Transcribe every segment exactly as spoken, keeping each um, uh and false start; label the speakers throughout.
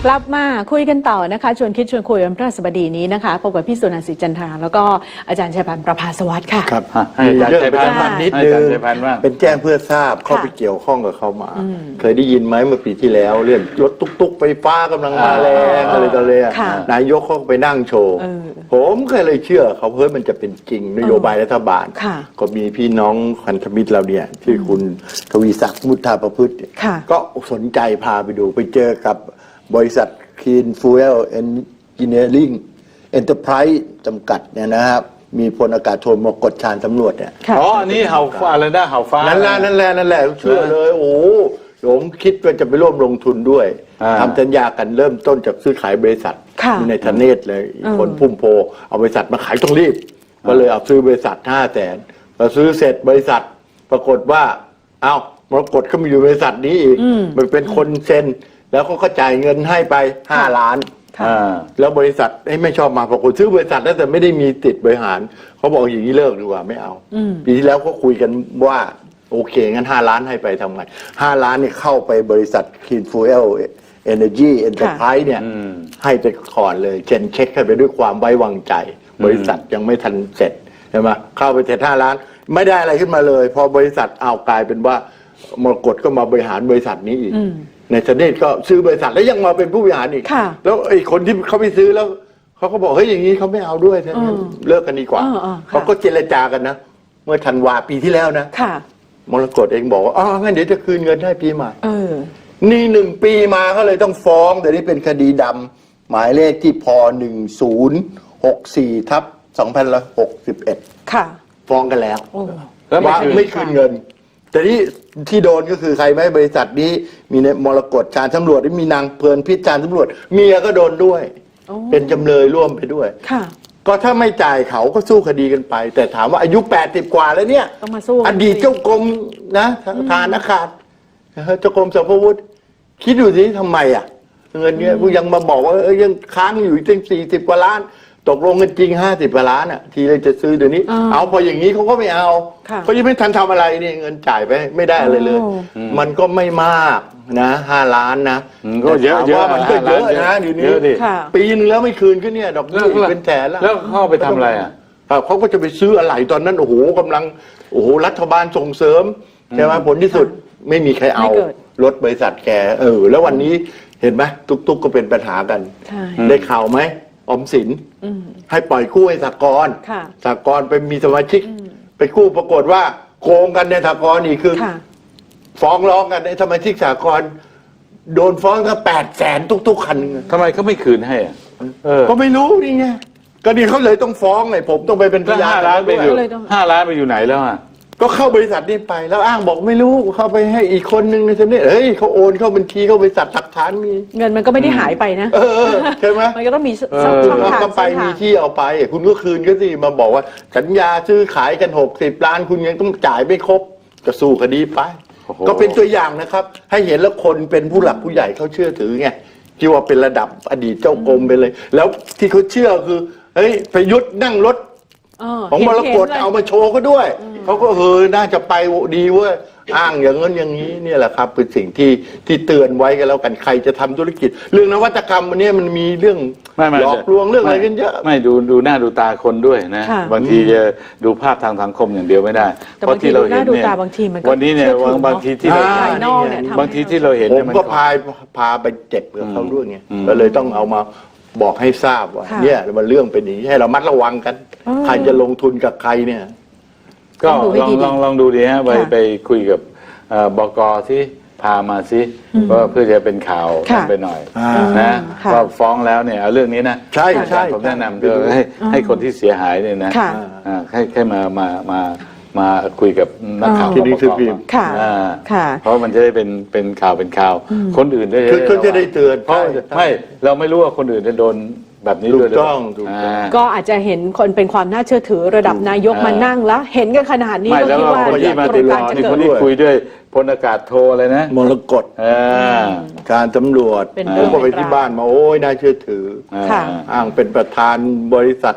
Speaker 1: กลับมาคุยกันต่อนะคะชวนคิดชวนคุยวันพฤหัสบดีนี้นะคะพบกับพี่สุนันท์ศรีจันทราแล้วก็อาจารย์ชัยพันธ์ประภาสวัสดิ์ค่ะ
Speaker 2: ครับ
Speaker 3: ให้อาจารย์ชัยพันธ์นิดนึง
Speaker 2: เป็นแจ้งเพื่อทราบเข้าไปเกี่ยวข้องกับเขามาเคยได้ยินไหมเมื่อปีที่แล้วเรื่องรถตุ๊กๆไฟฟ้ากำลังมาแรงอะไรต่อเลยนายกเขาไปนั่งโชว์ผมเคยเลยเชื่อเขาเฮ้ยมันจะเป็นจริงนโยบายรัฐบาลก็มีพี่น้องพันธมิตรเราเนี่ยที่คุณทวีศักดิ์มุทาประพฤติก็สนใจพาไปดูไปเจอกับบริษัท Clean Fuel Engineering Enterprise จำกัดเนี่ยนะครับมีพลอากาศโทมกฎชานสำรวจเนี่ย
Speaker 3: อ๋ออันนี้เห่าฟ้าอะไรนะเห่าฟ้า
Speaker 2: นั่นแหละนั่นแหละนั่นแหละเชื่อเลยโอ้ผมคิดว่าจะไปร่วมลงทุนด้วยทำสัญญากันเริ่มต้นจากซื้อขายบริษัทในทเนศเลยคนพุ่มโพเอาบริษัทมาขายต้องรีบก็เลยเอาซื้อบริษัทห้าแสนพอซื้อเสร็จบริษัทปรากฏว่าเอ้ามรกตก็มาอยู่บริษัทนี้อีกมันเป็นคนเซ็นแล้วเขาก็จ่ายเงินให้ไปห้าล้านแล้วบริษัทไม่ชอบมาปรากฏซื้อบริษัทแล้วแต่ไม่ได้มีติดบริหารเขาบอกอย่างนี้เลิกดีกว่าไม่เอาปีที่แล้วก็คุยกันว่าโอเคงั้นห้าล้านให้ไปทำไงห้าล้านเนี่ยเข้าไปบริษัท Clean Fuel Energy Enterprise เนี่ยให้ไปก่อนเลยเช็คเช็คให้ไปด้วยความไว้วางใจบริษัทยังไม่ทันเสร็จใช่ไหมเข้าไปเสร็จห้าล้านไม่ได้อะไรขึ้นมาเลยพอบริษัทเอากลายเป็นว่ามรกตก็มาบริหารบริษัทนี้อีกในทเนศก็ซื้อบริษัทแล้วยังมาเป็นผู้บริหารอีกแล้วไอ้คนที่เขาไปซื้อแล้วเขาก็บอกเฮ้ยอย่างนี้เขาไม่เอาด้วยเลิกกันดีกว่าเขาก็เจรจากันนะเมื่อธันวาปีที่แล้วนะมรกตเองบอกว่าอ๋องั้นเดี๋ยวจะคืนเงินให้ปีใหม่นี่หนึ่งปีมาก็เลยต้องฟ้องแต่นี่เป็นคดีดำหมายเลขที่พหนึ่งศูนย์หกสี่ทับสองพันหกสิบเอ็ดฟ้องกันแล้วว่าไม่คืนเงินแต่ที่ที่โดนก็คือใครไหมบริษัทนี้มีในมรกตชาญตำรวจมีนางเพลินพิจารณ์ตำรวจเมียก็โดนด้วยเป็นจำเลยร่วมไปด้วยก็ถ้าไม่จ่ายเขาก็สู้คดีกันไป แต่ถามว่าอายุแปดสิบกว่าแล้วเนี่ยอดีตเจ้ากรมนะทานอากาศเจ้ากรมสรรพาวุธคิดดูสิทำไมอ่ะเงินเนี้ยกูยังมาบอกว่าเอ้ยยังค้างอยู่ตั้งสี่สิบกว่าล้านตกลงกันจริงห้าสิบกว่าล้านอ่ะทีเลยจะซื้อเดี๋ยวนี้เอาพออย่างนี้เขาก็ไม่เอาเขายังไม่ทันทำอะไรนี่เงินจ่ายไปไม่ได้อะไรเลยมันก็ไม่มากนะห้าล้านนะ
Speaker 3: ก็เยอะเยอะ
Speaker 2: มันก็เยอะนะเดี๋ยวนี้ปีนึงแล้วไม่คืนก็เนี่ยดอกเบี้ยเป็นแสนแล้ว
Speaker 3: แล้วเข้าไปทำอะไรอ่ะ
Speaker 2: เขาก็จะไปซื้ออะไรตอนนั้นโอ้โหกำลังโอ้โหรัฐบาลส่งเสริมใช่ไหมผลที่สุดไม่มีใครเอารถบริษัทแกเออแล้ววันนี้เห็นไหมตุกๆก็เป็นปัญหากันได้ข่าวไหมออมสินให้ปล่อยกู้ให้สหกรณ์สหกรณ์ไปมีสมาชิกไปกู้ปรากฏว่าโกงกันในสหกรณ์นี่คือฟ้องร้องกันในสมาชิกสหกรณ์โดนฟ้องก็แปดแสนทุกๆคัน
Speaker 3: ทำไมเขาไม่คืนให้อ่ะ
Speaker 2: ก็ไม่รู้นี่ไงก็ดีเขาเลยต้องฟ้องไงผมต้องไปเป็นพยาน
Speaker 3: ห้าล้านไปอยู่ห้าล้านไปอยู่ไหนแล้วอ่ะ
Speaker 2: ก็เข้าบริษัทนี้ไปแล้วอ้างบอกไม่รู้เข้าไปให้อีกคนนึงในทเนศเฮ้ยเขาโอนเข้าบัญชีเข้าบริษัทหลักฐานมี
Speaker 1: เงินมันก็ไม่ได้หายไปนะ
Speaker 2: เออใช่ไหม
Speaker 1: มันก็ต้องมีช่องทาง
Speaker 2: ก็ไปมีที่เอาไปคุณก็คืนก็สิมาบอกว่าสัญญาซื้อขายกันหกสิบล้านคุณยังต้องจ่ายไม่ครบก็สู้คดีไปก็เป็นตัวอย่างนะครับให้เห็นแล้วคนเป็นผู้หลักผู้ใหญ่เขาเชื่อถือไงที่ว่าเป็นระดับอดีตเจ้ากรมไปเลยแล้วที่เขาเชื่อคือเฮ้ยประยุทธ์นั่งรถของมรกตเอามาโชว์ก็ด้วยเขาก็เฮ้ยน่าจะไปดีเว้ยอ้างอย่างนั้นอย่างนี้เนี่ยแหละครับเป็นสิ่งที่ที่เตือนไว้กันแล้วกันใครจะทำธุรกิจเรื่องนวัตกรรมวันนี้มันมีเรื่องหลอกลวงเรื่องอะไรกันเยอะ
Speaker 3: ไม่ดูดูหน้าดูตาคนด้วยนะบางทีจะดูภาพทางสังคมอย่างเดียวไม่ได้เพราะที่เราเห็นเนี่ยวันนี้เนี่ยบางทีที่เราบางทีที่เราเห็น
Speaker 2: ผมก็พาพาไปเจ็บกับเขาด้วยไงก็เลยต้องเอามาบอกให้ทราบว่าเนี่ยมันเรื่องเป็นอย่างนี้ให้เรามัดระวังกันใครจะลงทุนกับใครเนี่ย
Speaker 3: ก็ลองลองลองดูดีฮะไปไปคุยกับบก.ที่พามาซิว่าเพื่อจะเป็นข่าวไปหน่อยนะว่าฟ้องแล้วเนี่ยเอาเรื่องนี้นะ
Speaker 2: ใช่ใช่
Speaker 3: ผมแนะนำด้วยให้ให้คนที่เสียหายเนี่ยนะให้ให้มามามามาคุยกับนักข่าว
Speaker 2: ที่นี่คือพิมพ์
Speaker 3: เพราะมันจะได้เป็นเป็นข่าวเป็นข่าวคนอื่นได้
Speaker 2: คือจะได้เตือน
Speaker 3: เพราะไม่เราไม่รู้ว่าคนอื่นจะโดนแบบนี้ด้วย
Speaker 2: ถูกต้อง
Speaker 1: ก็อาจจะเห็นคนเป็นความน่าเชื่อถือระดับนายกมานั่งแล้วเห็นกันขนาดนี้
Speaker 3: ก็คิดว่าคนที่มาติดต่อนี่คนที่คุยด้วยพลอากาศโทอะไรนะ
Speaker 2: มรกตการตำรวจผมก็ไปที่บ้านมาโอ้ยน่าเชื่อถืออ้างเป็นประธานบริษัท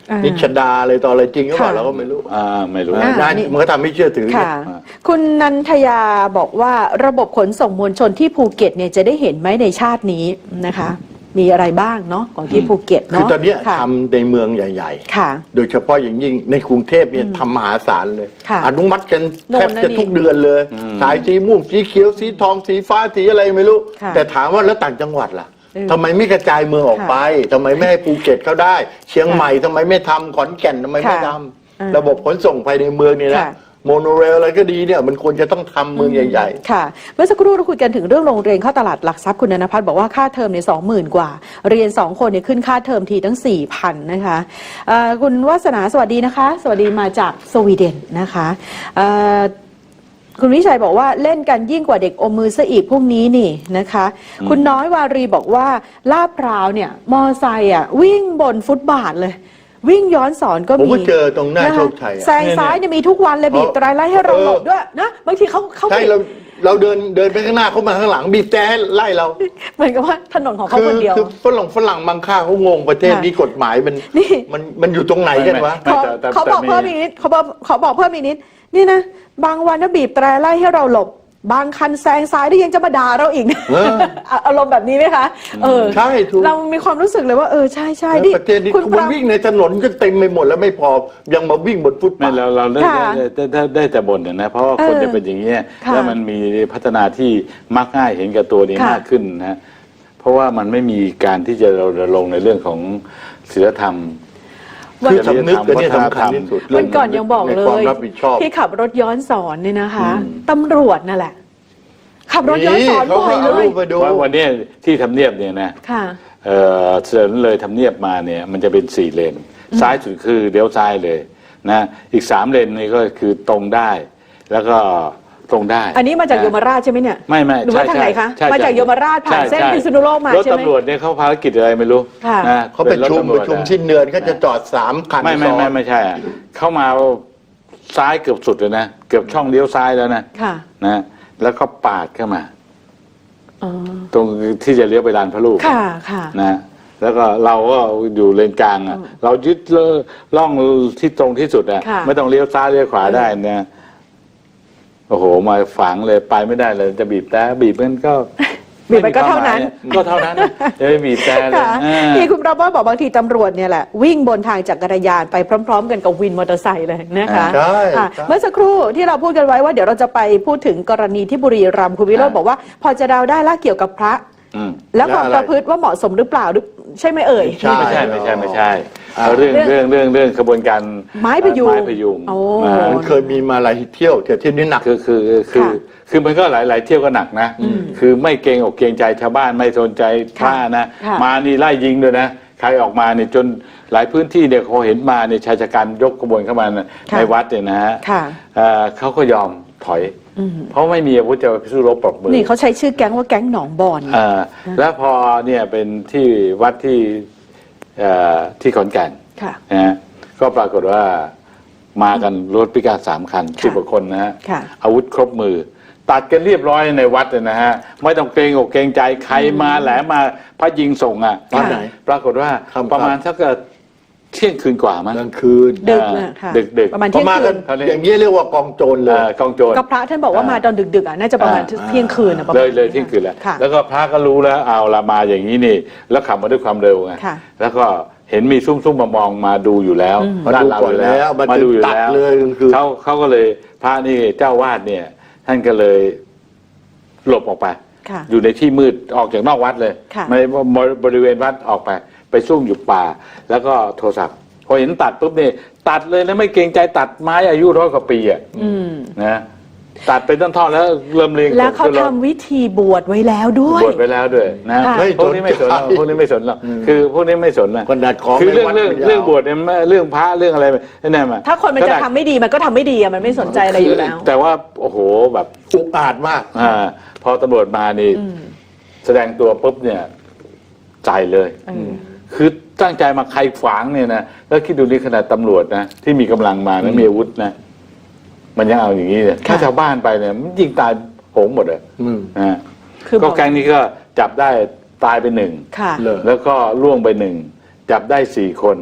Speaker 1: อ่านิ
Speaker 2: นิชดาอะไรต่ออะไรจริงหรือเปล่า
Speaker 1: ค่ะ
Speaker 2: เราก็ไม่รู้
Speaker 3: อ่าไม่รู้
Speaker 1: อ่า
Speaker 2: นั่นมันก็ทำให้เชื่อถือ
Speaker 1: ค่ะ คุณนันทยาบอกว่าระบบขนส่งมวลชนที่ภูเก็ตเนี่ยจะได้เห็นไหมในชาตินี้นะคะ มีอะไรบ้างเนะของที่ภูเก็ต
Speaker 2: คือ
Speaker 1: เนาะ
Speaker 2: ตอนเนี้ย
Speaker 1: ค่ะ
Speaker 2: ทำในเมืองใหญ่
Speaker 1: ค่ะ
Speaker 2: ๆ โดยเฉพาะอย่างยิ่งในกรุงเทพเนี่ยทำมหาศาลเลย
Speaker 1: ค่ะ
Speaker 2: อนุมัติกัน
Speaker 1: โน่น
Speaker 2: แทบ
Speaker 1: นั่น
Speaker 2: จะ
Speaker 1: นี่
Speaker 2: ทุกเดือนเลยสายสีม่วงสีเขียวสีทองสีฟ้าสีอะไรไม่รู้
Speaker 1: ค่ะ
Speaker 2: แต่ถามว่าแล้วต่างจังหวัดล่ะ
Speaker 1: เออ
Speaker 2: ทำไมไม่กระจายเมืองออกไปทำไมไม่ให้ภูเก็ตเขาได้ เชียงใหม่ทำไมไม่ทำขอนแก่นทำไมไม่ท
Speaker 1: ค่ะเออ
Speaker 2: ำระบบขนส่งภายในเมืองนี่นะ
Speaker 1: ค่ะ
Speaker 2: โมโนเรลอะไรก็ดีเนี่ยมันควรจะต้องทำเมืองใหญ่ ๆ
Speaker 1: ค่ะเมื่อสักครู่เราคุยกันถึงเรื่องโรงเรียนเข้าตลาดหลักทรัพย์คุณนนพัฒน์บอกว่าค่าเทอมในสองหมื่นกว่า เรียนสองคนเนี่ยขึ้นค่าเทอมทีตั้งสี่พันนะคะเอ่อคุณวาสนาสวัสดีนะคะ สวัสดีมาจากสวีเดนนะคะเอ่อคุณวิชัยบอกว่าเล่นกันยิ่งกว่าเด็กอมมือซะอีกพวกนี้นี่นะคะ คุณน้อยวารีบอกว่าลาดพร้าวเนี่ยมอไซค์อ่ะวิ่งบนฟุตบาทเลย วิ่งย้อนสอนก็
Speaker 2: ผม
Speaker 1: มี
Speaker 2: ก็เจอตรงหน้า
Speaker 1: ะคะ
Speaker 2: โชคชัยอะ
Speaker 1: แซงซ้ายเนี่ยมีทุกวันเลยบีบแตรไล่ให้เราหลบด้วยนะบางทีเขาเขา
Speaker 2: ใช่เราเราเดินเดินไปข้างหน้าเขามาข้างหลังบีบแต่ให้ไล่เรา
Speaker 1: เหมือนกับว่าถนนของเขา
Speaker 2: คื
Speaker 1: คนเดียว
Speaker 2: คือฝรั่งฝรั่งบางค่าเขางงประเทศ
Speaker 1: ค่ะ
Speaker 2: นี้กฎหมายมัน
Speaker 1: นี่
Speaker 2: มันมันอยู่ตรงไหนกันวะ
Speaker 3: ไม่
Speaker 1: เขา
Speaker 3: แต่แต่
Speaker 1: เขาบอก
Speaker 3: แต่มี
Speaker 1: เพิ่มอีกนิดเขาบอกเขาบอกเพิ่มอีกนิดนี่นะบางวันนะบีบแตรไล่ให้เราหลบบางคันแซงซ้ายได้ยังจะมาด่าเราอีก
Speaker 2: เออ
Speaker 1: อารมณ์แบบนี้ไหมคะเออ
Speaker 2: ใช่ถูก
Speaker 1: เรามีความรู้สึกเลยว่าเออใช่ใช่
Speaker 2: แล้ว
Speaker 1: ดิ
Speaker 2: ประเทศนี้
Speaker 1: คุณ
Speaker 2: มั
Speaker 1: ป
Speaker 2: น
Speaker 1: รา
Speaker 2: วิ่งในถนนก็เต็มไปหมดแล้วไม่พอยังมาวิ่งบนฟุต
Speaker 3: ไม่
Speaker 2: บาท
Speaker 3: เราเราได้
Speaker 1: ค่ะ
Speaker 3: ได้ได้ได้ได้แต่บ่นนะ เพราะว่าคน
Speaker 1: เออ
Speaker 3: จะเป็นอย่างนี้ย
Speaker 1: ค่ะ
Speaker 3: แล้วมันมีพัฒนาที่มักง่ายเห็นกับตัวนี้
Speaker 1: ค่ะ
Speaker 3: มากขึ้นนะเพราะว่ามันไม่มีการที่จะเราลงในเรื่องของศีลธรรม
Speaker 2: คือสำนึกกันเนี่ยสำคัญที่สุด
Speaker 1: วันก่อนยังบอกเล
Speaker 2: ในความ
Speaker 1: ย
Speaker 2: รับผิดชอบ
Speaker 1: ที่ขับรถย้อนสอนเนี่ยนะคะตำรวจนั่นแหละ ขับรถย้อน
Speaker 2: นี่
Speaker 1: สอน
Speaker 2: เขา
Speaker 1: บ่
Speaker 2: ก็
Speaker 1: อย
Speaker 2: เอา
Speaker 1: เล
Speaker 2: รู
Speaker 1: ย
Speaker 2: ปมาดู
Speaker 3: ว่าวันเนี้ยที่ทำเนียบเนี่ยนะ
Speaker 1: ค่ะ
Speaker 3: เอ่อเสริญเลยทำเนียบมาเนี่ยมันจะเป็นสี่เลนซ้ายสุดคือเลี้ยวซ้ายเลยนะอีกสามเลนนี่ก็คือตรงได้ แล้วก็ตรงได้
Speaker 1: อันนี้มาจาก
Speaker 3: ะ
Speaker 1: ยมราชใช่ไหมเนี่ย
Speaker 3: ไม่ไม่
Speaker 1: หรือว่าทางไหนคะ
Speaker 3: ใช่ใช่
Speaker 1: มาจากยมราชผ่าน
Speaker 3: ใช่
Speaker 1: เส้น
Speaker 3: ใช่
Speaker 1: พิษณุโลกมาร
Speaker 3: ถ
Speaker 1: ใช่ไหม
Speaker 3: ตำรวจเนี่ยเขาภารกิจอะไรไม่รู้
Speaker 1: ค่ะ
Speaker 3: นะ
Speaker 2: เขาประชุม
Speaker 3: น
Speaker 2: ป
Speaker 3: ถ
Speaker 2: ระชุม
Speaker 3: ตำวจ
Speaker 2: สิ้นเดือนเขาจะจอดสามคัน
Speaker 3: ไม่ไม่
Speaker 2: ซ้อ
Speaker 3: ไม่
Speaker 2: น
Speaker 3: ไม่ใช่อะเข้ามาซ้ายเกือบสุดเลยนะเกือบช่องเลี้ยวซ้ายแล้วนะ
Speaker 1: ค่ะ
Speaker 3: นะแล้วก็ปาดเข้ามา
Speaker 1: อ๋อ
Speaker 3: ตรงที่จะเลี้ยวไปลานพระลูก
Speaker 1: ค่ะค่ะ
Speaker 3: นะแล้วก็เราก็อยู่เลนกลางอ่ะเรายึดล่องที่ตรงที่สุดอ่ะ
Speaker 1: ค่ะ
Speaker 3: ไม่ต้องเลี้ยวซ้ายเลี้ยวขวาได้นะโอ้โหมาฝังเลยไปไม่ได้เลยจะบีบแต่บีบมันก็
Speaker 1: บีบมันก็เท่านั้น
Speaker 3: ก็เท่านั้นนะจะไม่บีบแต่เลย
Speaker 1: ค่ะ
Speaker 3: อ่า
Speaker 1: ที่คุณประเวศบอกบางทีตำรวจเนี่ยแหละ วิ่งบนทางจักรยานไปพร้อม ๆ กันกับวินมอเตอร์ไซค์เลยนะคะ
Speaker 2: ใช่
Speaker 1: ค่ะ
Speaker 2: ใช่
Speaker 1: เมื่อสักครู่ที่เราพูดกันไว้ว่าเดี๋ยวเราจะไปพูดถึงกรณีที่บุรีรัมย์คุณวิโรจน์บอกว่า พอจะเดาได้ละเกี่ยวกับพระ
Speaker 3: อืม
Speaker 1: และความ
Speaker 2: แล้วอะไร
Speaker 1: ประพฤติว่าเหมาะสมหรือเปล่าหรือใช่ไหมเอ่ย
Speaker 2: ใช่
Speaker 3: ไม่ใช่ไม่ใช่ไม่ใช่
Speaker 2: อ่า
Speaker 3: เรื่องเรื่องเรื่องเรื่องขบวนการ
Speaker 1: ไม้พยุง
Speaker 3: ไม้พยุง
Speaker 1: โอ้
Speaker 3: อ่า
Speaker 2: มันเคยมีมาหลายเที่ยวแต่เที่ยวนี้หนัก
Speaker 3: คือคือคือ
Speaker 1: ค่ะ
Speaker 3: คือมันก็หลายหลายเที่ยวก็หนักนะ คือไม่เกรงอกเกรงใจชาวบ้านไม่สนใจพระนะ
Speaker 1: ค่ะ
Speaker 3: มานี่ไล่ยิงด้วยนะ ใครออกมาเนี่ยจนหลายพื้นที่เนี่ยเขาเห็นมาเนี่ยชายชะกันยกขบวนเข้ามาในวัดเนี่ยนะฮะ
Speaker 1: ค่ะ
Speaker 3: เอ่อเขาก็ยอมถอย เพราะไม่มีอาวุธจะไปสู้รบปรบมือ
Speaker 1: นี่เขาใช้ชื่อแก๊งว่าแก๊งหนองบอน
Speaker 3: เอ่อแล้วพอเนี่ยเป็นที่วัดที่เอ่อที่ขอนแก่น
Speaker 1: ค่ะ
Speaker 3: นะฮะก็ปรากฏว่ามากันรถพิการสามคันสิบกว่าคนนะฮะ
Speaker 1: ค่ะ
Speaker 3: อาวุธครบมือ ตัดกันเรียบร้อยในวัดเลยนะฮะไม่ต้องเกรงอกเกรงใจใครมาแหลมมาพระยิงส่งอ่ะ
Speaker 2: ตอนไหน
Speaker 3: ปรากฏว่า
Speaker 2: ค่ำๆ
Speaker 3: ประมาณสักเที่ยงคืนกว่ามั้ง
Speaker 2: กลางคืน
Speaker 1: ดึกน่ะค่ะ
Speaker 3: ดึกดึก
Speaker 1: ประมาณ
Speaker 2: พอ
Speaker 1: เที่ยง
Speaker 2: มา
Speaker 1: คื
Speaker 2: กัน
Speaker 1: น
Speaker 2: อย่างนี้เรียกว่ากองโจรเลย
Speaker 3: เอ่อกองโจร
Speaker 1: ก็พระท่านบอกว่ามาตอนดึกๆอ่ะน่าจะประมาณ
Speaker 3: อ่า
Speaker 1: เที่ยงคืนอ่ะประมาณ
Speaker 3: เลยเลยเที่ยงคืนแล้ว
Speaker 1: ค่ะ
Speaker 3: แล้วก็พระก็รู้แล้วเอาละมาอย่างนี้นี่ แล้วขับมาด้วยความเร็วไง
Speaker 1: ค่ะ
Speaker 3: แล้วก็เห็นมีซุ่มซุ่มมามองมาดูอยู่แล้ว
Speaker 2: มาดูก่อนแล้วมา
Speaker 3: มาดูอยู่
Speaker 2: ตัด
Speaker 3: แล้ว
Speaker 2: เลยคือ
Speaker 3: เขาเขาก็เลยพระนี่เจ้าวาดเนี่ย ท่านก็เลยหลบออกไป
Speaker 1: ค่ะ
Speaker 3: อยู่ในที่มืดออกจากนอกวัดเลย
Speaker 1: ค่ะ
Speaker 3: ไม่บริเวณวัดออกไป ไปซุ่มอยู่ป่า แล้วก็โทรศัพท์พอเห็นตัดปุ๊บนี่ตัดเลยนะไม่เกรงใจตัดไม้อายุร้อยกว่าปีอ่ะ
Speaker 1: อืม
Speaker 3: นะตัดเป็นต้นๆแล้วเริ่มเรียง
Speaker 1: แล้วเขา
Speaker 3: ขึ้นรถ
Speaker 1: ทำวิธีบวชไว้แล้วด้วย
Speaker 3: บวชไปแล้วด้วยนะ
Speaker 1: ค่ะ
Speaker 3: พวกนี้ไม่สนหรอกพวกนี้ไม่สนหรอกคือพวกนี้ไม่สนนะ
Speaker 2: ขนาดของ
Speaker 3: คือเรื่อง
Speaker 2: ในวัด
Speaker 3: เรื่อง
Speaker 2: ไม่ยาว
Speaker 3: เรื่องบวชเนี่ยไม่เรื่องพระเรื่องอะไรนั่นน่ะมา
Speaker 1: ถ้าคนมันจะ
Speaker 3: ขด
Speaker 1: ทำไม่ดีมันก็ทำไม่ดีอะมันไม่สนใจอะไรอยู่แล้ว
Speaker 3: แต่ว่าโอ้โหแบบ
Speaker 2: อุกอาจมาก
Speaker 3: อ่าพอตำรวจมานี่
Speaker 1: อืม
Speaker 3: แสดงตัวปุ๊บเนี่ยใจเลย
Speaker 1: เออ
Speaker 3: คือตั้งใจมาใครขวางเนี่ยนะแล้วคิดดูนี่ขนาดตำรวจนะที่มีกำลังมานะมีอาวุธนะมันยังเอาอย่างนี้เลยถ้าชาวบ้านไปเนี่ยมันยิงตายโหงหมดเลย
Speaker 2: อืม
Speaker 3: นะ
Speaker 1: คือบอก
Speaker 3: ก็แก๊งนี้ก็จับได้ตายไปหนึ่ง
Speaker 1: ค่ะ
Speaker 2: เลย
Speaker 3: แล้วก็ล่วงไปหนึ่งจับได้สี่คน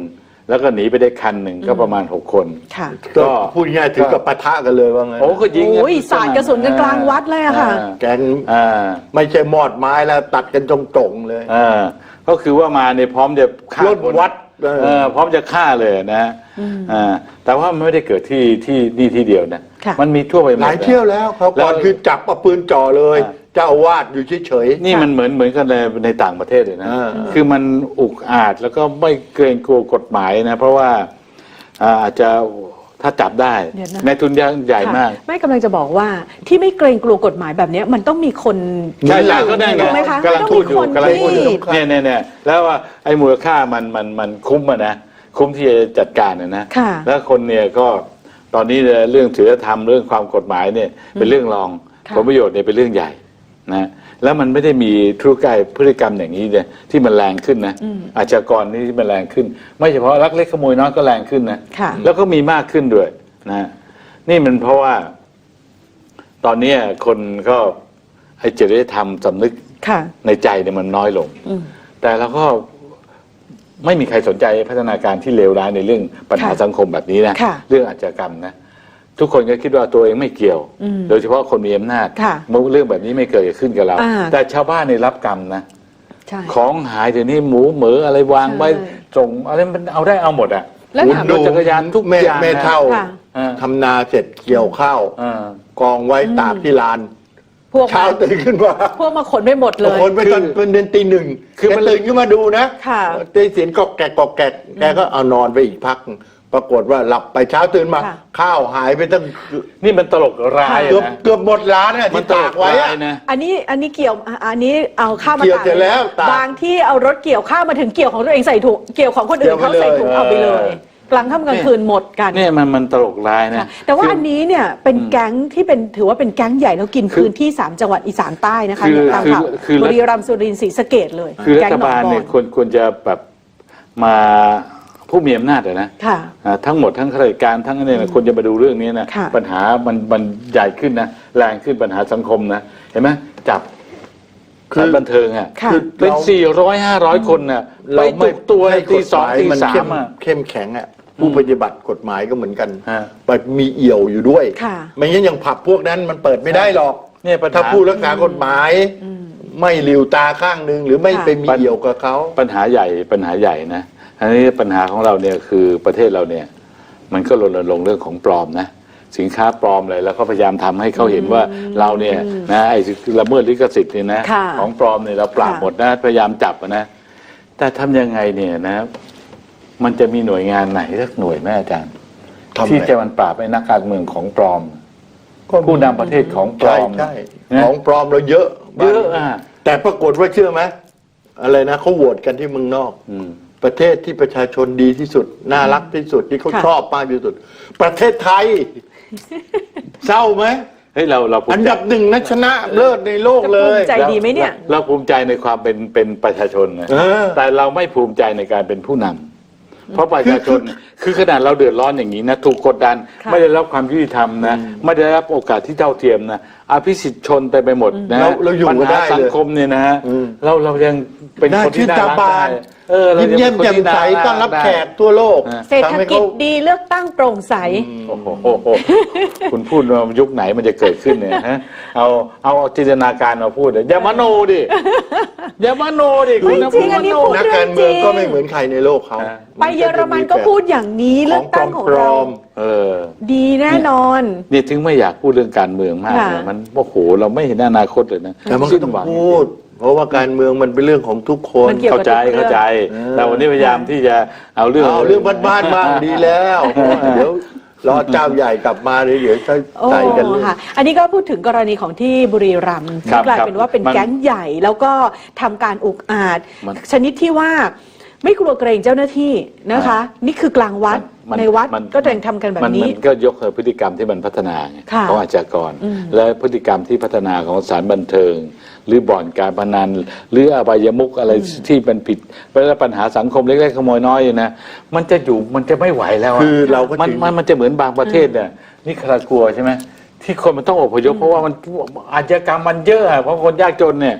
Speaker 3: แล้วก็หนีไปได้คันหนึ่งก็ประมาณหกคน
Speaker 1: ค่ะ
Speaker 2: ก็พูดง่ายๆถึงกับปะทะกันเลยว่างั้น
Speaker 3: โอ้ก็ยิงกัน
Speaker 1: โอ้ยสาดกระสุนกันกลางวัดเลยอะค่ะ
Speaker 2: แกง
Speaker 3: อ่า
Speaker 2: ไม่ใช่มอดไม้แล้วตัดกันตรงๆเลย
Speaker 3: อ่าก็คือว่ามาเนี่ยพร้อมจะฆ่า
Speaker 2: ล้น
Speaker 3: คน
Speaker 2: วัด
Speaker 3: เออพร้อมจะฆ่าเลยนะอ่าแต่ว่ามันไม่ได้เกิดที่ที่นี่ที่เดียวนะ
Speaker 1: ค่ะ
Speaker 3: มันมีทั่วไปหมด
Speaker 2: หลายเที่ยวแล้วเขา
Speaker 3: แล้ว
Speaker 2: ก่อนคือจับเอาปืนจ่อเลย
Speaker 3: อ่า
Speaker 2: เจ้าอาวาสอยู่เฉย
Speaker 3: นี่มันเหมือนเหมือนกันในในต่างประเทศเลยนะ
Speaker 2: อ่า
Speaker 3: คือมันอุกอาจแล้วก็ไม่เกรงกลัวกฎหมายนะ เพราะว่าอ่าอาจจะถ้าจับได้
Speaker 1: เดี๋ยวนะ
Speaker 3: ในทุนยังใหญ่มาก
Speaker 1: ค่ะไม่กำลังจะบอกว่าที่ไม่เกรงกลัวกฎหมายแบบเนี้ยมันต้องมีคน
Speaker 3: ใช่ใช่ก็ได้ไง
Speaker 1: ถูกไหมคะ
Speaker 3: กำลังพูดอยู่
Speaker 1: มัน
Speaker 3: กำ
Speaker 1: ต้
Speaker 3: ลั
Speaker 1: อง ง
Speaker 3: พูดอยู่
Speaker 1: มีคนที่
Speaker 3: เนี่ยเนี่ยเนี่ยแล้วว่าไอ้มูลค่ามันมันมันคุ้มอะนะคุ้มที่จะจัดการนะนะ
Speaker 1: ค่ะ
Speaker 3: แล้วคนเนี่ยก็ตอนนี้เนี่ยเรื่องศีลธรรมเรื่องความกฎหมายเนี่ยเป็นเรื่องรอง
Speaker 1: ค่ะ
Speaker 3: ผลประโยชน์เนี่ยเป็นเรื่องใหญ่นะแล้วมันไม่ได้มีธุรกิจพฤติกรรมอย่างนี้เนี่ยที่มันแรงขึ้นนะอาชญากรนี่ที่มันแรงขึ้น ไม่เฉพาะลักเล็กขโมยน้อยก็แรงขึ้นนะ
Speaker 1: ค่ะ
Speaker 3: แล้วก็มีมากขึ้นด้วยนะนี่มันเพราะว่า ตอนนี้คนก็ไอ้จริยธรรมสำนึก
Speaker 1: ค่ะ
Speaker 3: ในใจเนี่ยมันน้อยลง
Speaker 1: อืม
Speaker 3: แต่เราก็ไม่มีใครสนใจพัฒนาการที่เลวร้ายในเรื่องปัญหา
Speaker 1: ค่ะ
Speaker 3: สังคมแบบนี้นะ
Speaker 1: ค่ะ
Speaker 3: เรื่องอาชญากรรมนะทุกคนก็คิดว่าตัวเองไม่เกี่ยว
Speaker 1: อืม
Speaker 3: โดยเฉพาะคนมีอำนาจ
Speaker 1: ค่ะ
Speaker 3: เรื่องแบบนี้ไม่เกิดขึ้นกับเรา
Speaker 1: อ่า
Speaker 3: แต่ชาวบ้านในยรับกรรมนะ
Speaker 1: ใช่
Speaker 3: ของหายเดี๋ยวนี้หมูเหมืออะไรวางไว้
Speaker 1: ใช่
Speaker 3: ส่งอะไรมันเอาได้เอาหมดอ่ะ
Speaker 1: แล้ว
Speaker 2: ๆ
Speaker 1: ถาม
Speaker 3: รถจักรยานทุก
Speaker 2: แม่
Speaker 3: อย่างนะ
Speaker 2: แม่เท่า
Speaker 1: ค่ะ
Speaker 3: อ่า
Speaker 2: ทำนาเสร็จเกี่ยวข้าว
Speaker 3: อ่า
Speaker 2: กองไว้ตากที่ลาน
Speaker 1: พวก
Speaker 2: เช้าตื่นขึ้นมา
Speaker 1: พวกมาขนไปหมดเลย
Speaker 2: คนไปตอนเป็นเดือนตีหนึ่ง
Speaker 3: คือ
Speaker 2: แก
Speaker 3: มัน
Speaker 2: ตื่นขึ้นมาดูนะ
Speaker 1: ค่ะ
Speaker 2: ได้เสียงกอกแกกกอกแกกแกก็เอานอนไปอีกพัก ปรากฏว่าหลับไปเช้าตื่นมา
Speaker 1: ค่ะ
Speaker 2: ข้าวหายไปตั้ง
Speaker 3: นี่มันตลกร้าย
Speaker 2: เกือบ
Speaker 3: นะ
Speaker 2: เกือบหมดร้านอะ
Speaker 3: มั
Speaker 2: ที่
Speaker 3: นตล
Speaker 2: ตาก
Speaker 3: ก
Speaker 2: ไว้
Speaker 3: ร้า
Speaker 2: อะ
Speaker 3: ยนะ
Speaker 1: อันนี้อันนี้เกี่ยวอ่ะอันนี้เอาข้าวมา
Speaker 2: เกี่ยว
Speaker 1: ตาก
Speaker 2: เสร็จแล้วตาก
Speaker 1: บางที่เอารถเกี่ยวข้าวมาถึงเกี่ยวของตัวเองใส่ถุงเกี่ยวของคนอื่น
Speaker 2: เกี่ยว
Speaker 1: เขา
Speaker 2: ไปเลย
Speaker 1: ใส่ถุงเอาไปเลย
Speaker 3: เออ
Speaker 1: กลางค่ำกลางคืนหมดกัน
Speaker 3: เนี่ยมันมันตลกร้ายนะ
Speaker 1: ค่ะแต่ว่า
Speaker 3: คือ
Speaker 1: อันนี้เนี่ยเป็นแก๊งที่เป็นถือว่าเป็นแก๊งใหญ่แล้วกิน
Speaker 3: คือ
Speaker 1: พื้นที่สามจังหวัดอีสานใต้นะคะ
Speaker 3: คือ
Speaker 1: เนี่ยตามข่าว
Speaker 3: คือคือ
Speaker 1: บุรีรัมย์สุรินทร์ศรีสะเกษเลย
Speaker 3: คือรั
Speaker 1: แก๊ง
Speaker 3: ฐ
Speaker 1: หนอง
Speaker 3: บาล
Speaker 1: บอ
Speaker 3: เนี่ย
Speaker 1: น
Speaker 3: ควรควรจะแบบมาผู้มีอำนาจอะนะ
Speaker 1: ค่ะ
Speaker 3: อ่าทั้งหมดทั้งข้าราชการทั้งเนี่ยนะควรจะมาดูเรื่องนี้นะ
Speaker 1: ค่ะ
Speaker 3: ปัญหามันมันใหญ่ขึ้นนะแรงขึ้นปัญหาสังคมนะเห็นไหมจับ
Speaker 2: คือ
Speaker 3: สถานบันเทิงอ่ะ
Speaker 1: ค่ะ
Speaker 3: เป็นสี่ร้อยห้าร้อยคนน่ะไป
Speaker 2: เรา
Speaker 3: ตุ
Speaker 2: ไม่
Speaker 3: กตัว
Speaker 2: ให้
Speaker 3: ตี
Speaker 2: กฎ
Speaker 3: ส
Speaker 2: ห
Speaker 3: อง
Speaker 2: มาย
Speaker 3: ตี
Speaker 2: มัน
Speaker 3: สา
Speaker 2: เข้
Speaker 3: ม
Speaker 2: ม
Speaker 3: อ่ะ
Speaker 2: เข้มแข็งอ่ะผู้ปฏิบัติกฎหมายก็เหมือนกัน
Speaker 3: ฮะ
Speaker 2: ไปมีเอี่ยวอยู่ด้วย
Speaker 1: ค่ะ
Speaker 2: ไม่งั้นอย่างผับพวกนั้นมันเปิดไม่ได้หรอก
Speaker 3: เนี่ยปัญหา
Speaker 2: ถ้าผู้รักษากฎหมาย ไม่หลิวตาข้างหนึ่งหรือไม่
Speaker 1: ค่ะ
Speaker 2: ไปมีเอี่ยวกับเขา
Speaker 3: ปัญหาใหญ่ปัญหาใหญ่นะอันนี้ปัญหาของเราเนี่ยคือประเทศเราเนี่ย มันก็รณรงค์เรื่องของปลอมนะสินค้าปลอมเลยแล้วก็พยายามทำให้เขาเห็นว่าเราเนี่ยนะไอ้ละเมิดลิขสิทธิ์เนี่ยนะ
Speaker 1: ค่ะ
Speaker 3: ของปลอมเนี่ยเราปราบ
Speaker 1: ค่ะ
Speaker 3: หมดนะพยายามจับอะนะแต่ทำยังไงเนี่ยนะ มันจะมีหน่วยงานไหนสักหน่วยไหมอาจารย์
Speaker 2: ทำไง
Speaker 3: ที่จะมันปราบไอ้นักการเมืองของปลอม ผู้นำประเทศของปล
Speaker 2: ใช่
Speaker 3: อม
Speaker 2: ใช่
Speaker 3: นะ
Speaker 2: ของปลอมเราเยอะ
Speaker 3: เยอะอ่ะ
Speaker 2: แต่ปรากฏว่าเชื่อไหมอะไรนะเขาโหวตกันที่เมืองนอก
Speaker 3: อืม
Speaker 2: ประเทศที่ประชาชนดีที่สุด น่ารักที่สุดที่เขา
Speaker 1: ค่ะ
Speaker 2: ชอบมากที่สุด ประเทศไทย เศร้าไหม
Speaker 3: เฮ้ยเราเราภู
Speaker 2: อัน
Speaker 3: มิใจ
Speaker 2: ดับหนึ่งนะชนะเลิศในโลก
Speaker 1: จะ
Speaker 2: เล
Speaker 1: ภู
Speaker 2: ย
Speaker 1: มิใจดีไหมเนี่ย
Speaker 3: เราภูมิใจในความเป็นเป็นประชาชนนะ
Speaker 2: เออ
Speaker 3: แต่เราไม่ภูมิใจในการเป็นผู้นำเพราะประชาชนคือขนาดเราเดือดร้อนอย่างนี้นะถูกกดดัน
Speaker 1: ค่ะ
Speaker 3: ไม่ได้รับความยุติธรรมนะไม่ได้รับโอกาสที่เท่าเทียมนะอภิสิทธิ์ชนไปไปหมดนะ
Speaker 2: เราเราอยู่
Speaker 3: ปัญ
Speaker 2: กัน
Speaker 3: หา
Speaker 2: ได้เลย
Speaker 3: สังคมเนี่ยนะ
Speaker 2: อืม
Speaker 3: เราเรายังเป็น
Speaker 2: น่า
Speaker 3: คน
Speaker 2: ชื่
Speaker 3: ที่
Speaker 2: น
Speaker 3: น่า
Speaker 2: ตา
Speaker 3: รัก
Speaker 2: บา
Speaker 3: ได้
Speaker 2: น
Speaker 3: เออเรา
Speaker 2: ยิ้ม
Speaker 3: ยัง
Speaker 2: เยี่ยม
Speaker 3: ป็นคน
Speaker 2: แจ่ม
Speaker 3: ที่
Speaker 2: ใส
Speaker 3: น่า
Speaker 2: ต้อนรับ
Speaker 3: ได้
Speaker 2: แขกทั่วโลก
Speaker 1: เศรษฐ
Speaker 2: ทำให้
Speaker 1: กิจ
Speaker 2: เขา
Speaker 1: ดีเลือกตั้งโปร่งใส
Speaker 3: โอ้โหโอ้โหคุณพูดว่ายุคไหนมันจะเกิดขึ้นเนี่ยฮะเอาเอาจินตนาการมาพูดเลยอย่ามโนดิอย่ามโนดิคุณนะ
Speaker 1: ไม่จริงอันนี้พูด
Speaker 2: นักการเมืองก็ไม่เหมือนใครในโลกเขา
Speaker 1: ไปเยอรมันก็พูดอย่างนี้
Speaker 2: ข
Speaker 1: เลื
Speaker 2: อ
Speaker 1: อง กตั้งของ
Speaker 2: ปล
Speaker 1: เรา
Speaker 2: อม
Speaker 3: เออ
Speaker 1: ดีแน่นอน
Speaker 3: นี่ถึงไม่อยากพูดเรื่องการเมืองมาก
Speaker 1: ค่ะ
Speaker 3: เลยมันโอ้โหเราไม่เห็นอนาคตเลยนะ
Speaker 2: ๆแต่มันก็
Speaker 3: สิ้น
Speaker 2: ต้อง
Speaker 3: หวัง
Speaker 2: พูด เพราะว่าการเมืองมันเป็นเรื่องของทุกคน
Speaker 1: มันเกี่ยว
Speaker 3: เข้าใจ
Speaker 1: กับทุกเรื่อง
Speaker 3: เข้าใจ
Speaker 2: เออ
Speaker 3: แต่วันนี้พยายามที่จะเอาเรื่อง
Speaker 2: เอาเรื่องบ้านๆบ้างดีแล้วเดี๋ยวรอเจ้าใหญ่กลับมาเดี๋ยวจะ
Speaker 1: โอ้
Speaker 2: ใส่กันเลย
Speaker 1: ค่ะ อันนี้ก็พูดถึงกรณีของที่บุรีรัมย์
Speaker 3: ครั
Speaker 1: ที่
Speaker 3: บ
Speaker 1: กลาย
Speaker 3: ครับ
Speaker 1: เป็นว่าเป็น
Speaker 3: มัน
Speaker 1: แก๊งใหญ่แล้วก็ทำการอุกอาจ
Speaker 3: มัน
Speaker 1: ชนิดที่ว่าไม่กลัวเกรงเจ้าหน้าที่นะคะ นี่คือกลางวัด
Speaker 3: มัน
Speaker 1: ในวัด
Speaker 3: มัน
Speaker 1: ก็ยังทำกันแบบ
Speaker 3: มัน
Speaker 1: นี้
Speaker 3: มันก็ยกพฤติกรรมที่มันพัฒนาไง
Speaker 1: ค่ะ
Speaker 3: ของอาชญากร
Speaker 1: อืม
Speaker 3: และพฤติกรรมที่พัฒนาของสถารบันเทิง หรือบ่อนการพนันหรืออบายมุกอะไรที่มันผิดแล้วปัญหาสังคมเล็กๆขโมยน้อยนะ มันจะอยู่มันจะไม่ไหวแล้วะ
Speaker 2: คือเราก็
Speaker 3: มัน
Speaker 2: ถึง
Speaker 3: มันมันจะเหมือนบางประเทศเนี่ยนี่คารากลัวใช่ไหมที่คนมันต้องอพยพเพราะว่ามันอาชญากรรมมันเยอะอะเพราะคนยากจนเนี่ย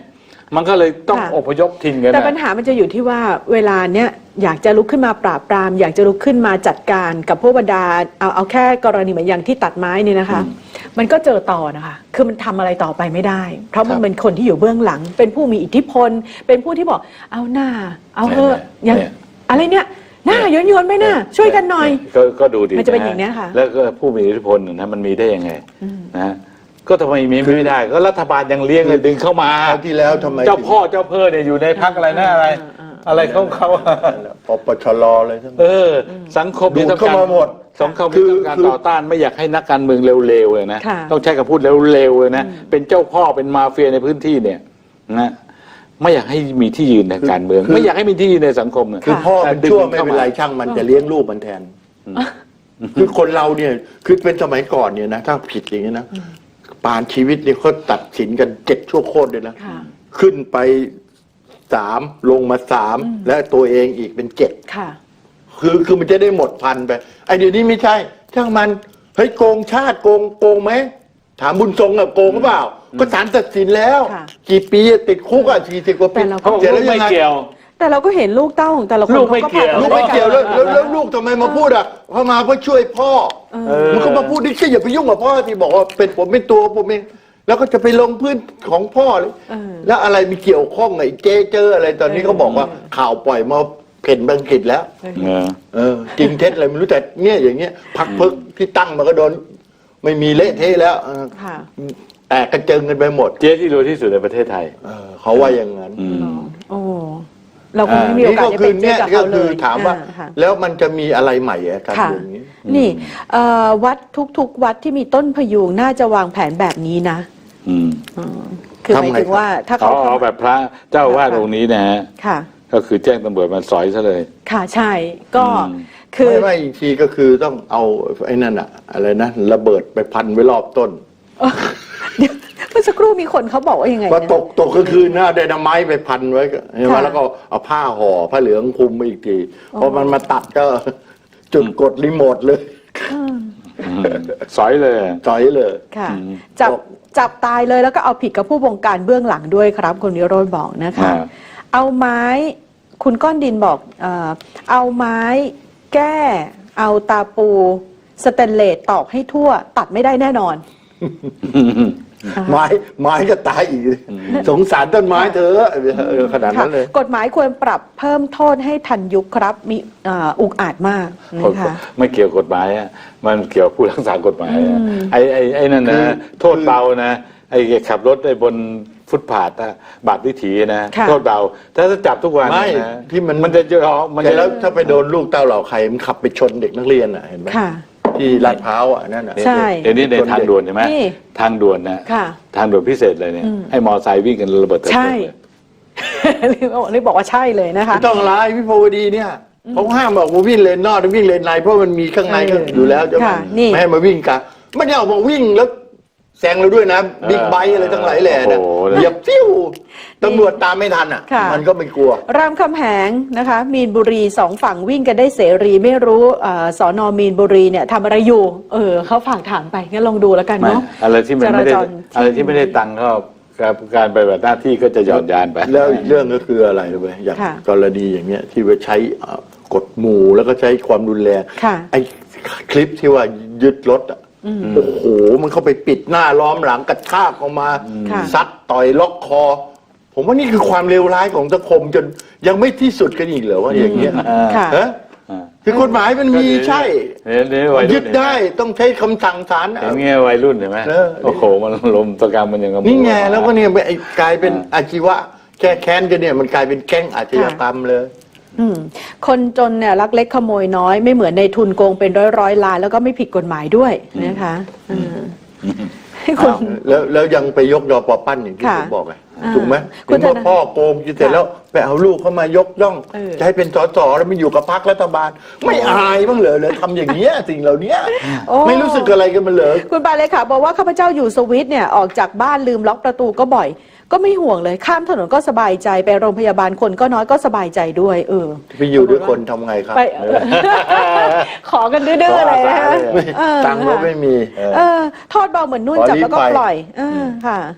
Speaker 3: มันก็เลยต้อง
Speaker 1: ค่ะ
Speaker 3: อพยพถิ่นกัน
Speaker 1: แต่
Speaker 3: นะ
Speaker 1: ปัญหามันจะอยู่ที่ว่าเวลาเนี้ยอยากจะลุกขึ้นมาปราบปราม อยากจะลุกขึ้นมาจัดการกับพวกบรรดาเอาเอาแค่กรณีเหมือนอย่างที่ตัดไม้นี่นะคะ มันก็เจอต่อนะคะคือมันทำอะไรต่อไปไม่ได้ เพราะมันเป็นคนที่อยู่เบื้องหลัง เป็นผู้มีอิทธิพล เป็นผู้ที่บอกเอาหน้า เอาเถอะอย่างอะไรเนี่ยหน้าโยนโยนๆไปหน้าช่วยกันหน่อย
Speaker 3: ก็ก็ดูดิ
Speaker 1: มันจะเป็นอย่างเนี้ยค่ะ
Speaker 3: แล้วก็ผู้มีอิทธิพลนะมันมีได้ยังไงนะฮะก็ทำไมมีไม่ได้ ก็รัฐบาลยังเลี้ยงเลยดึงเข้ามา
Speaker 2: คราวที่แล้วทำไม
Speaker 3: เจ้าพ่อเจ้าเพ่อเนี่ยอยู่ในพรรคอะไรนะอะไร อะไรของเขา
Speaker 2: ปปชรเลยทั้ง
Speaker 3: เออ สังคม
Speaker 2: ดูดเข้ามาหมด
Speaker 3: สังคม
Speaker 2: คื
Speaker 3: มี
Speaker 2: อ
Speaker 3: การ
Speaker 2: คือ
Speaker 3: ต่อต้านไม่อยากให้นักการเมืองเร็วๆเลยนะ
Speaker 1: ค่ะ
Speaker 3: ต้องใช้คำพูดเร็วๆเลยนะเป็นเจ้าพ่อเป็นมาเฟียในพื้นที่เนี่ยนะไม่อยากให้มีที่ยืนในการเมือง ไม่อยากให้มีที่ยืนในสังคมเนี่ย
Speaker 2: คือพ่อเป็น
Speaker 3: ดึง
Speaker 2: ชั่ว
Speaker 3: มัน
Speaker 2: ไม่
Speaker 3: เข้า
Speaker 2: เป็นไร
Speaker 3: มา
Speaker 2: ช่างมันจะเลี้ยงลูกมันแทน คือคนเราเนี่ยคือเป็นสมัยก่อนเนี่ยนะถ้าผิดอย่างนี้นะปานชีวิตเนี่ยเขาตัดสินกันเจ็ดชั่วโคตรเลยนะ
Speaker 1: ค่ะ
Speaker 2: ขึ้นไปสามลงมาสามและตัวเองอีกเป็นเจ็ด
Speaker 1: ค่ะ
Speaker 2: คือคือมันจะได้หมดพันไปไอเดี๋ยวนี้ไม่ใช่ ช่างมันเฮ้ยโกงชาติโกงโกงไหมถามบุญทรงอะโกงหรือเปล่า ก็ศาลตัดสินแล้ว
Speaker 1: ค่ะ
Speaker 2: กี่ปีอะติดคุกอะสี่สิบกว่าปี
Speaker 1: แต่เราก็
Speaker 3: เขาบอก
Speaker 2: เสร็จ
Speaker 3: ลู
Speaker 2: แล้ว
Speaker 3: ก
Speaker 2: ยั
Speaker 3: ไม่
Speaker 2: งไง
Speaker 3: เกี่ยว
Speaker 1: แต่เราก็เห็นลูกเต้าของแต่ละคน
Speaker 3: ลูกไม่
Speaker 1: ขา
Speaker 3: เกี่ยว
Speaker 1: ผ่าน
Speaker 2: ลูกไม่เกี่ยวแล้วแล้วแล้วลูกทำไมมาพูดอ่ะเขามาเพื่อช่วยพ่อ
Speaker 3: เออ
Speaker 2: มันก็มาพูดดิแค่อย่าไปยุ่งกับพ่อที่บอกว่าเป็นผมเป็นตัวผมเองแล้วก็จะไปลงพื้นของพ่อเลย
Speaker 1: เออ
Speaker 2: แล้วอะไรมีเกี่ยวข้องไอ้เจเจออะไรตอนนี้เขาบอกว่าข่าวปล่อยมาเพ่นบังกฤษแล้ว
Speaker 3: เออ
Speaker 2: เออจริงเท็จอะไรไม่รู้แต่เนี่ยอย่างเงี้ยพักพึกที่ตั้งมาก็โดนไม่มีเละเทะแล้วเออ
Speaker 1: ค่ะ
Speaker 2: แตกกระเจิงกันไปหมด
Speaker 3: เจ๊ที่รวยที่สุดในประเทศไทย
Speaker 2: เออเขาว่าอย่างนั้น
Speaker 3: อืม
Speaker 1: โอ้เราคงไม่มีโอกาส
Speaker 2: นี่
Speaker 1: จะ
Speaker 2: คื
Speaker 1: เป็นเจ๊
Speaker 2: เนี่ย
Speaker 1: กับ
Speaker 2: ก็
Speaker 1: เขาเล
Speaker 2: คือย ถามว่า
Speaker 1: อ่ค่ะ
Speaker 2: แล้วมันจะมีอะไรใหม่อะการ
Speaker 1: ค่ะ
Speaker 2: อย่างนี้
Speaker 1: นี่เอ่อวัดทุกๆ วัดที่มีต้นพยุงน่าจะวางแผนแบบนี้นะ
Speaker 3: อืม
Speaker 1: อืมคือห
Speaker 2: ทำ
Speaker 1: มาย
Speaker 2: ไง
Speaker 1: ถึงว่าถ้า
Speaker 3: เขา
Speaker 1: เขา
Speaker 3: เอาแบบพระเจ้าอาวาดองค์นี้นะฮะ
Speaker 1: ค่ะ
Speaker 3: ก็คือแจ้งตำรวจมาสอยซะเลย
Speaker 1: ค่ะใช่ก็
Speaker 3: อืม
Speaker 1: คือ
Speaker 2: ไม่ไม่อีกทีก็คือต้องเอาไอ้นั่นอะอะไรนะระเบิดไปพันไว้รอบต้น
Speaker 1: เอ่อเดี๋ยวเมื่อสักครู่มีคนเขาบอกว่ายังไง
Speaker 2: ว่า
Speaker 1: นะ
Speaker 2: ตกตกก็คือหน้าไดนาไมต์ไปพันไว้ก็ใช่ไหม
Speaker 1: ค่ะ
Speaker 2: แล้วก็เอาผ้าห่อผ้าเหลืองคลุมไปอีกทีพอมันมาตัดก็ จุดกดรีโมทเลย
Speaker 3: อืมสอยเลย
Speaker 2: จ่อยเลย
Speaker 1: ค่ะ
Speaker 3: อืม
Speaker 1: จับจับตายเลยแล้วก็เอาผิดกับผู้บงการเบื้องหลังด้วยครับคุณวิโรจน์บอกนะคะ
Speaker 3: อ่า
Speaker 1: เอาไม้คุณก้อนดินบอกเอ่อเอาไม้แก้ เอาตาปูสเตนเลสตอกให้ทั่ว ตัดไม่ได้แน่นอน
Speaker 2: ไม้ไม้ก็ตายอีก สงสารต้นไม้เธอะเออขนาดนั้นเลย
Speaker 1: ค่ะกฎหมายควรปรับเพิ่มโทษให้ทันยุคครับ มีเอ่ออุกอาจมากนะคะ
Speaker 3: ไม่เกี่ยวกฎหมายอะมันเกี่ยวผู้รักษากฎหมายอะไอ้ไอ้ไอ้นั่น
Speaker 2: คื
Speaker 3: นะ
Speaker 2: อ
Speaker 3: โทษเบานะไอ้ขับรถไอ้บนฟุตผาดอะบาปวิถีนะ
Speaker 1: ค่ะ
Speaker 3: โทษเบาถ้าจะจับทุกวัน
Speaker 2: ไม่
Speaker 3: นะ
Speaker 2: ที่มัน
Speaker 3: มันจะเยอะมัน
Speaker 2: แต่
Speaker 3: จะ
Speaker 2: แล้วถ้าไปโดนลูกเต้าเหล่าใครมันขับไปชนเด็กนักเรียนอ่ะเห็นไหม
Speaker 1: ค่ะ
Speaker 2: ที่ลาดพร้าวอ่ะนั่นอ่ะ
Speaker 1: ใช่
Speaker 3: เดี๋ยวนี้ในทางด่วนใช่ไหม
Speaker 1: นี่
Speaker 3: ทางด่วนนะ
Speaker 1: ค่ะ
Speaker 3: ทางด่วนพิเศษเลยเนี่ยให้มอไซค์วิ่งกันระเบิดเถิด
Speaker 1: ใช่
Speaker 3: เลย
Speaker 1: นี่บอกว่าใช่เลยนะคะ
Speaker 2: ไม่ต้องร้ายวิภาวดีเนี่ยเขาห้ามบอกว่าวิ่งเลนนอกวิ่งเลนในเพราะมันมีข้างในก็อยู่แล้วจะ
Speaker 1: ค่ะนี่
Speaker 2: ไม่ให้มาวิ่งกันไม่ได้ออกมาวิ่งแล้วแซงเราด้วยนะบิ๊กไบค์อะไรทั้งหลายแหล่เนี่ย
Speaker 3: โอ้โห
Speaker 2: เหยียบฟิวตำรวจตามไม่ทันอ่ะ
Speaker 1: ค่ะ
Speaker 2: มันก็ไม่กลัว
Speaker 1: รามคำแหงนะคะ มีนบุรีสองฝั่งวิ่งกันได้เสรีไม่รู้เอ่อสอนอมีนบุรีเนี่ยทำอะไรอยู่ เออเขาฝากถามไปงั้นลองดูแล้วกัน
Speaker 3: ไม่
Speaker 1: เนาะ
Speaker 3: อะไรที่มันไม่ได้
Speaker 1: จราจร
Speaker 3: อะไรที่ไม่ได้ตังค์ก็การการไปแบบหน้าที่ก็จะหย่อนยานไป
Speaker 2: แล้วอีกเรื่องก็คืออะไรรู้ไหมอย่าง
Speaker 1: ค่ะ
Speaker 2: กรณีอย่างเงี้ยที่ว่าใช้เอ่อกฎหมู่แล้วก็ใช้ความรุนแรง
Speaker 1: ค่ะ
Speaker 2: ไอ้คลิปที่ว่ายึดรถอ่ะโอ้โหมันเข้าไปปิดหน้าล้อมหลังกระชากออกมา
Speaker 1: ค่ะ
Speaker 2: ซัดต่อยล็อกคอ ผมว่านี่คือความเลวร้ายของสังคมจนยังไม่ที่สุดกันอีกเหรอว่าอย่างเงี้ย
Speaker 1: ค่ะ
Speaker 2: ฮะคือกฎหมายมันมีใช่
Speaker 3: เนี่ยเนี่ยวัยรุ่น
Speaker 2: ยึดได้ต้องใช้คำสั่งศาล
Speaker 3: เห็นไงวัยรุ่นเห็นไหม
Speaker 2: เออ
Speaker 3: โอ้โหมันลมตะกรรมมันยังกระ
Speaker 2: นี่ไงแล้วก็เนี่ยไอ้กลายเป็นอาชีวะแก้แค้นกันเนี่ยมันกลายเป็นแก๊งอาชญากรรมเลย
Speaker 1: อืมคนจนเนี่ยลักเล็กขโมยน้อยไม่เหมือนในทุนโกงเป็นร้อยร้อยๆล้านแล้วก็ไม่ผิดกฎหมายด้วยนะคะอืมให้คุณ
Speaker 2: อ้าวแล้วแล้วยังไปยกยอปอปั้นอย่างที่
Speaker 1: ค่ะ
Speaker 2: ผมบอกไง
Speaker 1: อ่า
Speaker 2: ถูกไหม
Speaker 1: คุ
Speaker 2: ถึ
Speaker 1: ณ
Speaker 2: ง
Speaker 1: ธ
Speaker 2: ว่า
Speaker 1: นา
Speaker 2: พ่อโกงกินเสร็จแล้วไปเอาลูกเข้ามายกย่อง
Speaker 1: เออ
Speaker 2: จะให้เป็นสสแล้วมันอยู่กับพรรครัฐบาล ไม่อายบ้างเหรอเลยทำอย่างเงี้ยสิ่งเหล่านี้
Speaker 1: โอ้
Speaker 2: ไม่รู้สึกอะไรกันมันเหรอ
Speaker 1: คุณปาเลยค่ะบอกว่าข้าพเจ้าอยู่สวิตเนี่ยออกจากบ้านลืมล็อกประตูก็บ่อย ก็ไม่ห่วงเลยข้ามถนนก็สบายใจไปโรงพยาบาลคนก็น้อยก็สบายใจด้วย เออ
Speaker 2: ไปอยู่ด้วยคนทำไงครับ
Speaker 1: ไปเออขอกันดื้อๆเลยนะคะ
Speaker 2: ไม่
Speaker 1: เออ
Speaker 2: ตังค์ก็ไม่มี
Speaker 1: เออโทษเบาเหมือนนุ่น
Speaker 2: ขอ
Speaker 1: จับแล้วก็
Speaker 2: ลี้ภัย
Speaker 1: ปล่อยเออค่ะ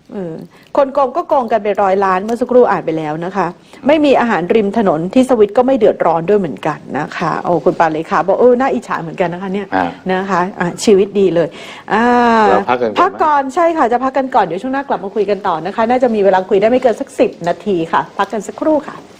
Speaker 1: เออคนโกงก็โกงกันไปร้อยล้านเมื่อสักครู่อ่านไปแล้วนะคะ ไม่มีอาหารริมถนนที่สวิตก็ไม่เดือดร้อนด้วยเหมือนกันนะคะโอ้คุณปาเลขาบอกเออน่าอิจฉาเหมือนกันนะคะเนี่ยนะคะะชีวิตดีเลยอ่า
Speaker 3: เราพักกันก่อน
Speaker 1: พักก่อนใช่ค่ะจะพักกันก่อนเดี๋ยวช่วงหน้ากลับมาคุยกันต่อนะคะ น่าจะมีเวลาคุยได้ไม่เกินสักสิบนาทีค่ะ พักกันสักครู่ค่ะ